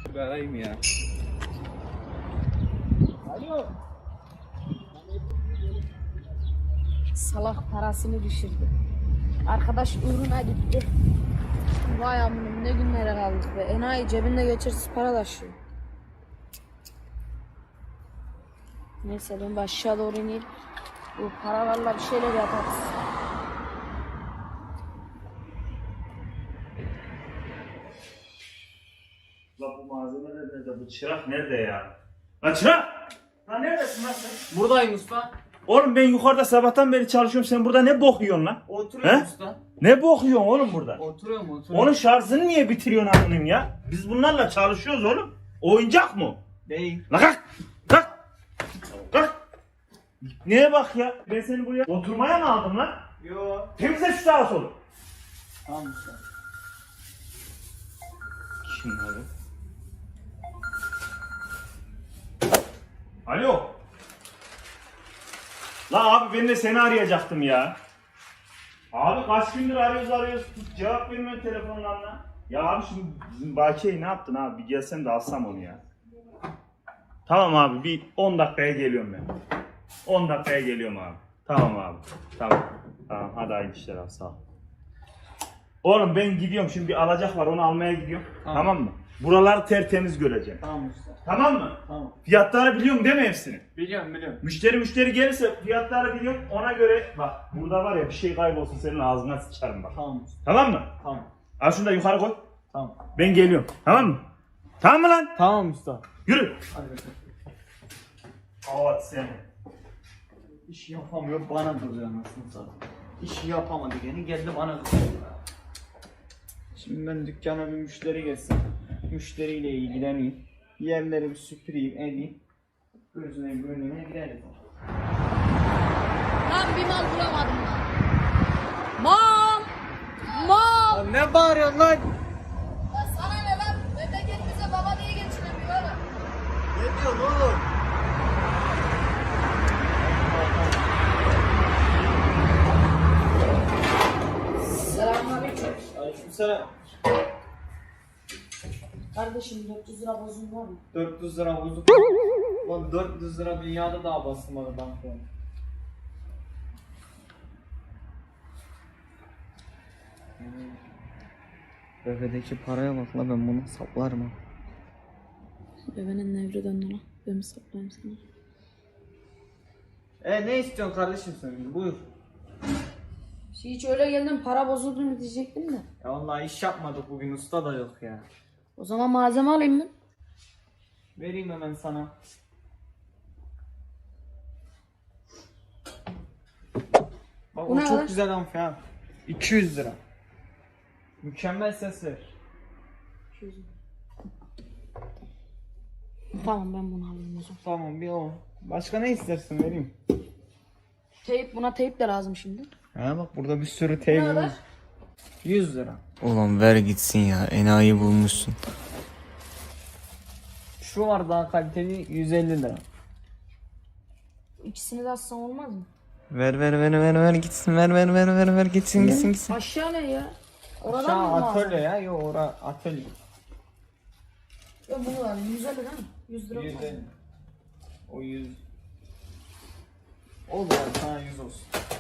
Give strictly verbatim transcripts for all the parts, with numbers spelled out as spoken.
Bir arayayım ya. Alo. Salak parasını düşürdü. Arkadaş uğruna gitti. Vay amınım ne günlere kaldık be. Enayi cebinde geçirsiz para taşıyor. Neyse ben aşağı doğru ineyim. Bu paralarla bir şeyler yaparız. La bu malzemeler nerede? Bu çırak nerede ya? Lan çırak! Lan neredesin lan sen? Buradayım usta. Oğlum ben yukarıda sabahtan beri çalışıyorum. Sen burada ne bok yiyorsun lan? Oturuyorum He? usta. Ne bok yiyorsun oğlum burada? Oturuyorum oturuyorum. Onun şarjını niye bitiriyorsun anlayayım ya? Biz bunlarla çalışıyoruz oğlum. Oyuncak mı? Değil. Lan kalk! Kalk! Kalk! Neye bak ya? Ben seni buraya oturmaya mı aldım lan? Yo. Temizle şu sağa solu. Tamam usta. Kim abi? Alo. La abi ben de seni arayacaktım ya. Abi kaç gündür arıyoruz arıyoruz. Cevap vermiyorsun telefondan lan. Ya abi şimdi bizim Bakiye'yi ne yaptın abi? Bir gelsen de alsam onu ya. Tamam abi bir on dakikaya geliyorum ben. on dakikaya geliyorum abi. Tamam abi. Tamam. Tamam hadi hayırlı işler abi sağ ol. Oğlum ben gidiyorum şimdi bir alacak var onu almaya gidiyorum. Tamam, Tamam mı? Buraları tertemiz göreceğim. Tamam usta. Tamam mı? Tamam. Fiyatları biliyorum değil mi hepsini? Biliyorum biliyorum. Müşteri müşteri gelirse fiyatları biliyorum ona göre bak burada var ya bir şey kaybolsun senin ağzına sıçarım bak. Tamam usta. Tamam mı? Tamam. Al şunu da yukarı koy. Tamam. Ben geliyorum. Tamam mı? Tamam mı lan? Tamam usta. Yürü. Hadi bakalım. Evet sen. İş yapamıyor bana duruyor anasını satayım. İşi yapamadı gene geldi bana duruyor. Şimdi ben dükkana bir müşteri gelsin. Müşteriyle ilgileneyim. Yerleri bir süpüreyim edeyim. Gözüne gönlüne gireriz. Lan bir mal bulamadım lan. Mal! Mal! Lan ne bağırıyorsun lan? Ya sana ne lan? Memleket bize baba diye geçinemiyor oğlum. Ne diyorsun oğlum? Selamünaleyküm. Aleykümselam. Kardeşim dört yüz lira bozun var mı? dört yüz lira bozuk. Lan dört yüz lira dünyada daha basılmadı bankaya. Bebedeki paraya bak la ben bunu saplarım ha. Bebenin nevri döndü lan. Ben mi saplayayım sana? E ne istiyorsun kardeşim sen? Buyur. Hiç öyle geldim para bozuldu mu diyecektim de. Ya vallahi iş yapmadık bugün usta da yok ya. O zaman malzeme alayım ben. Vereyim hemen sana. Bak Bu o ne çok lan? güzel amfi ha. iki yüz lira. Mükemmel ses ver. Tamam ben bunu alayım o zaman. Tamam bir o. Başka ne istersin vereyim. Teyp buna teyp de lazım şimdi. Ha bak burada bir sürü Ne teybimiz. kadar? yüz lira. Ulan ver gitsin ya, enayi bulmuşsun. Şu var daha kaliteli yüz elli lira. İkisini de alsam olmaz mı? Ver ver ver ver ver gitsin, ver ver ver ver ver gitsin gitsin gitsin. Aşağı ne ya? Oradan Aşağı mı lazım? atölye ya. Yok ora atölye. Yok bunu var. yüz elli değil mi? yüz lira. yüz olmaz mı? elli. O yüz. Olur ya sana yüz olsun.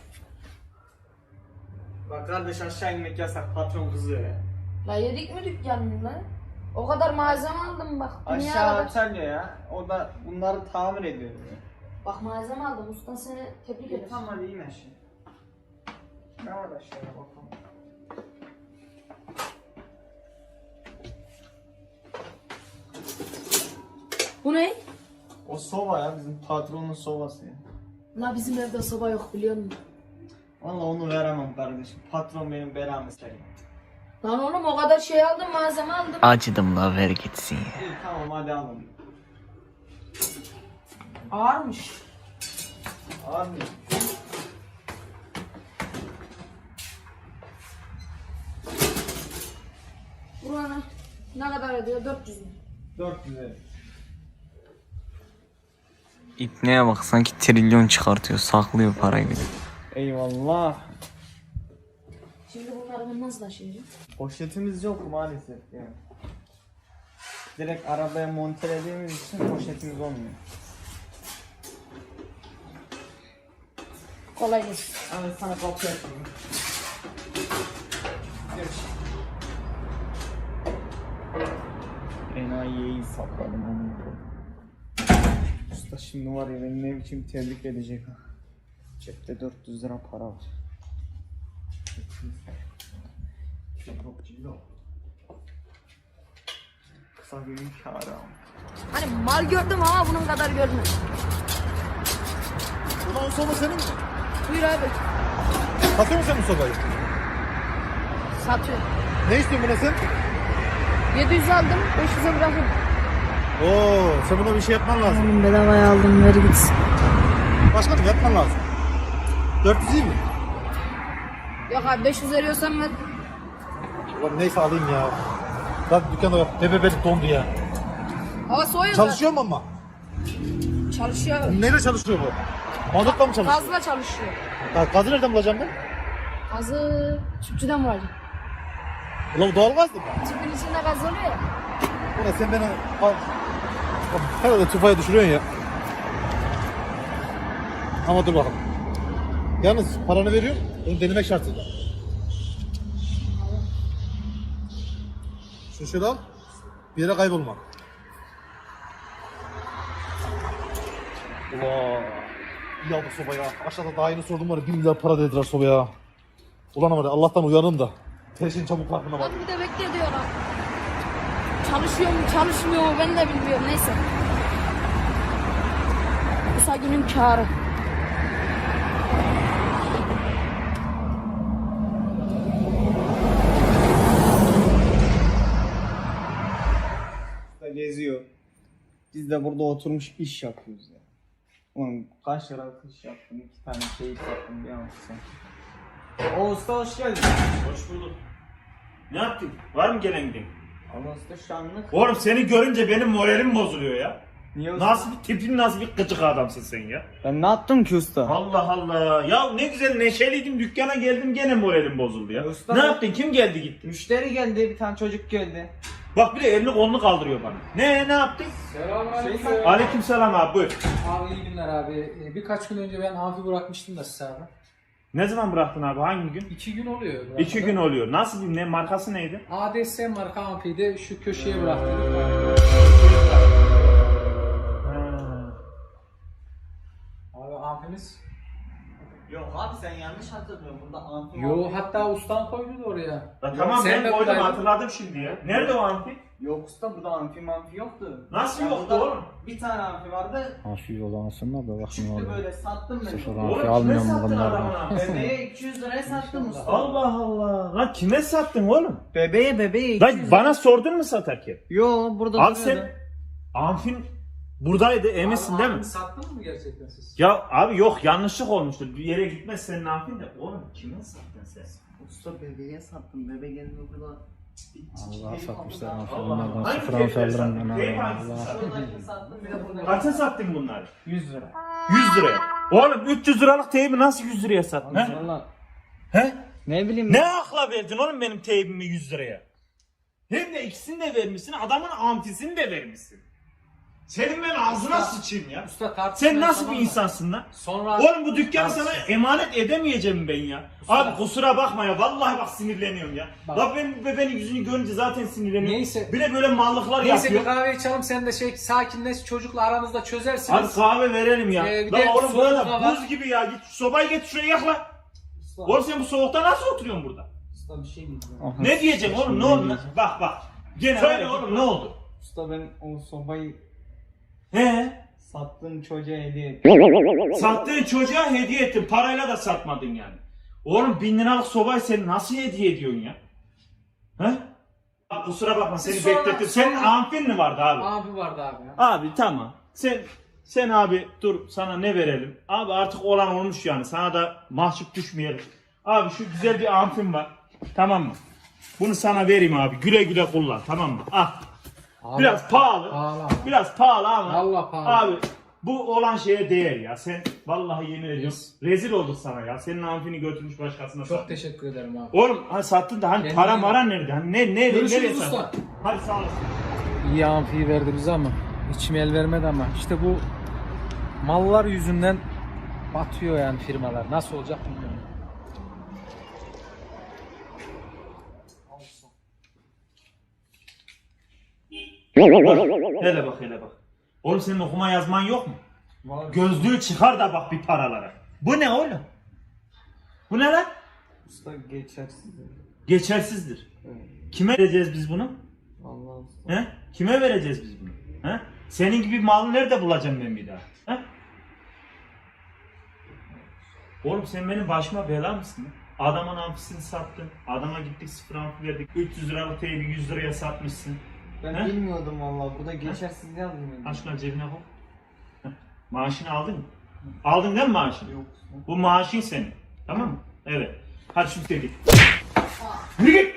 Bak kardeş aşağı inmek yasak patron kızıyor ya. La yedik mi dükkanını lan? O kadar malzeme aldım bak. Dünya Aşağı kadar. atölye ya. O da bunları tamir ediyor ya. Bak malzeme aldım. Ustan seni tebrik ederim. Tamam hadi in aşağı. Ne var aşağıya bakalım. Bu ne? O soba ya bizim patronun sobası ya. La bizim evde soba yok biliyor musun? Valla onu veremem kardeşim. Patron benim belamı ister. Lan oğlum o kadar şey aldım malzeme aldım. Acıdım la, ver gitsin ya. İyi tamam hadi alın. Ağırmış. Abi. Buranın ne kadar ediyor? dört yüz mü? dört yüz lira. İpneye bak, sanki trilyon çıkartıyor, saklıyor parayı bir de. Eyvallah. Şimdi bunları ben nasıl taşıyacağım? Poşetimiz yok maalesef yani. direkt arabaya montelediğimiz için poşetimiz olmuyor. Kolay gelsin. Evet sana kapı yapayım. Enayiyi sakladım onu. Usta şimdi var ya beni ne biçim tebrik edecek ha. Cepte dört yüz lira para var. Çok cillo. Kısa günün kârı ama. Hani mal gördüm ama bunun kadar görmedim. Ulan o soba senin mi? Buyur abi. Satıyor musun sen bu sobayı? Satıyor. Ne istiyorsun buna sen? yedi yüz aldım, beş yüze bırakın. Oo, sen buna bir şey yapman lazım. Oğlum bedavaya aldım, ver gitsin. Başkanım yapman lazım. dört yüz iyi mi? Yok abi beş yüz veriyorsan ver. Ulan neyse alayım ya. Lan dükkanda bak, bebebelik dondu ya. Hava soğuyor Çalışıyor mu ama? zaten. Çalışıyor. Neyle çalışıyor bu? Mazotla mı çalışıyor? Gazla çalışıyor. Ya, gazı nereden bulacağım ben? Gazı tüpçüden var. Ulan bu doğalgaz mı? Tüpün içinde gaz oluyor ya. Ulan sen beni al. Herhalde tufaya düşürüyorsun ya. Ama dur bakalım. Yalnız paranı veriyorum, onu denemek şartıyla. Şunu şöyle al, bir yere kaybolma. Ulan, iyi aldık sobaya. Aşağıda daha yeni sordum var ya, bir milyar para dediler sobaya. Ulan ama Allah'tan uyandım da. Her şeyin çabuk farkına var. Abi bir de bekle diyorlar. Çalışıyor mu çalışmıyor mu ben de bilmiyorum, neyse. Kısa günün kârı. Geziyor. Biz de burada oturmuş iş yapıyoruz ya. Oğlum kaç liralık iş yaptım, iki tane şey sattım bir anlatsam. O usta hoş geldin. Hoş bulduk. Ne yaptın? Var mı gelen giden? Allah usta şanlık. Oğlum seni görünce benim moralim bozuluyor ya. Niye usta? Nasıl bir tipin, nasıl bir gıcık adamsın sen ya? Ben ne yaptım ki usta? Allah Allah. Ya ne güzel neşeliydim, dükkana geldim gene moralim bozuldu ya. Ya usta ne ben- yaptın? Kim geldi gitti? Müşteri geldi, bir tane çocuk geldi. Bak bir de elini kolunu kaldırıyor bana. Ne ne yaptın? Selamünaleyküm. Şey- Aleykümselam abi buyur. Abi iyi günler abi. Ee, Birkaç gün önce ben amfi bırakmıştım da size abi. Ne zaman bıraktın abi? Hangi gün? İki gün oluyor. bırakalı. İki gün oluyor. Nasıl bir ne? Markası neydi? A D S marka amfiydi. Şu köşeye bıraktım. Abi amfimiz. Yok abi sen yanlış hatırlıyorsun, burada amfi Yo amfi- hatta ustam koydu da oraya. Ya tamam Sen ben de koydum buradaydın. hatırladım şimdi ya. Nerede o amfi? Yok usta burada amfi amfi yoktu. Nasıl Ya yoktu burada oğlum? Bir tane amfi vardı. Hafif olansın da da bakayım Çıktı orada. böyle sattım ben. Sıfır onu. amfi Oğlum kime almıyorum sattın bunlardan. adamına? Bebeğe iki yüz liraya sattım usta. Allah Allah. Lan kime sattın oğlum? Bebeğe bebeğe iki yüz Lan lira. bana sordun mu satarken? Yo burada Abi duruyordu. sen amfin buradaydı eminsin Abi, değil mi? amfimi sattın mı gerçekten siz? Ya abi yok yanlışlık olmuştur. Bir yere gitmez senin amfin de. Oğlum kime sattın sen? Usta bebeğe sattım. Bebe geldi burada. Allah satmışlar amfi Allah. bunlardan. Hangi Sıfır amfi keyifler alırım sattın? ben Keyif abi. hangisi Allah. sattın? Şuradakini sattım bir de burada. Kaça sattın bunları? yüz lira. yüz liraya. Oğlum üç yüz liralık teybi nasıl yüz liraya sattın? He? Valla He? ne bileyim. Ne akla verdin oğlum benim teybimi yüz liraya? Hem de ikisini de vermişsin, adamın amfisini de vermişsin. Senin ben ağzına sıçayım ya. Usta tartışmaya Sen nasıl tamam bir mı? insansın lan? Sonra Oğlum bu dükkanı Tartışma. sana emanet edemeyeceğim ben ya. Usta. Abi kusura bakma ya, vallahi bak sinirleniyorum ya. Bak. Bak ben bebeğin yüzünü görünce zaten sinirleniyorum. Neyse. Bir de böyle mallıklar Neyse bir yapıyor. kahve içelim sen de şey sakinleş çocukla aranızda Hadi çözersiniz. kahve verelim ya. Ee, bir Lan de oğlum soğuk burada hava. buz gibi ya. Git şu sobayı getir şuraya yakla. Usta, Oğlum sen bu soğukta nasıl oturuyorsun burada? usta bir şey diyeceğim. Aha, Ne diyeceksin oğlum, ne şimdi oldu? diyeceğim. Bak bak. Gene söyle oğlum ne oldu? Usta ben o sobayı He? sattığım çocuğa hediye ettim. Sattığın çocuğa hediye ettin. Parayla da satmadın yani. Oğlum bin liralık sobayı sen nasıl hediye ediyorsun ya? He? Bak kusura bakma seni Sonra- beklettim. Senin sonra- amfin mi vardı abi? Abi vardı abi ya. Abi tamam. Sen sen abi dur sana ne verelim? Abi artık olan olmuş yani. Sana da mahcup düşmeyelim. Abi şu güzel bir amfim var. Tamam mı? Bunu sana vereyim abi. Güle güle kullan. Tamam mı? Al. Abi, Biraz pahalı. Pahalı. Biraz pahalı ama. Vallahi pahalı. Abi bu olan şeye değer ya. Sen vallahi yemin ediyorum. Rezil olduk sana ya. Senin amfini götürmüş başkasına Çok sattın. teşekkür ederim abi. Oğlum hani sattın da hani Kendine para iyi mara bak. nerede? Hani ne ne Görüşürüz nereye usta. sattın? Hadi sağ olasın. iyi amfiyi verdi bize ama içim el vermedi ama işte bu mallar yüzünden batıyor yani firmalar. Nasıl olacak bilmiyorum. Hele bak hele bak. Oğlum senin okuma yazman yok mu? Gözlüğü çıkar da bak bir paralara. Bu ne oğlum? Bu ne lan? Usta geçersiz. Geçersizdir. Kime vereceğiz biz bunu? Vallahi usta. He? Kime vereceğiz biz bunu? He? Senin gibi malı nerede bulacağım ben bir daha? He? Oğlum sen benim başıma bela mısın? Lan? Adamın amfisini sattın. Adama gittik sıfır amfi verdik. üç yüz liralık teybi yüz liraya satmışsın. Ben He? bilmiyordum vallahi. Burada geçersiz yazmıyor. Aşkına cebine koy. Heh. Maaşını aldın mı? Aldın değil mi maaşını? Yok. Bu maaşın senin. Tamam mı? Evet. Hadi şimdi git. Yürü git.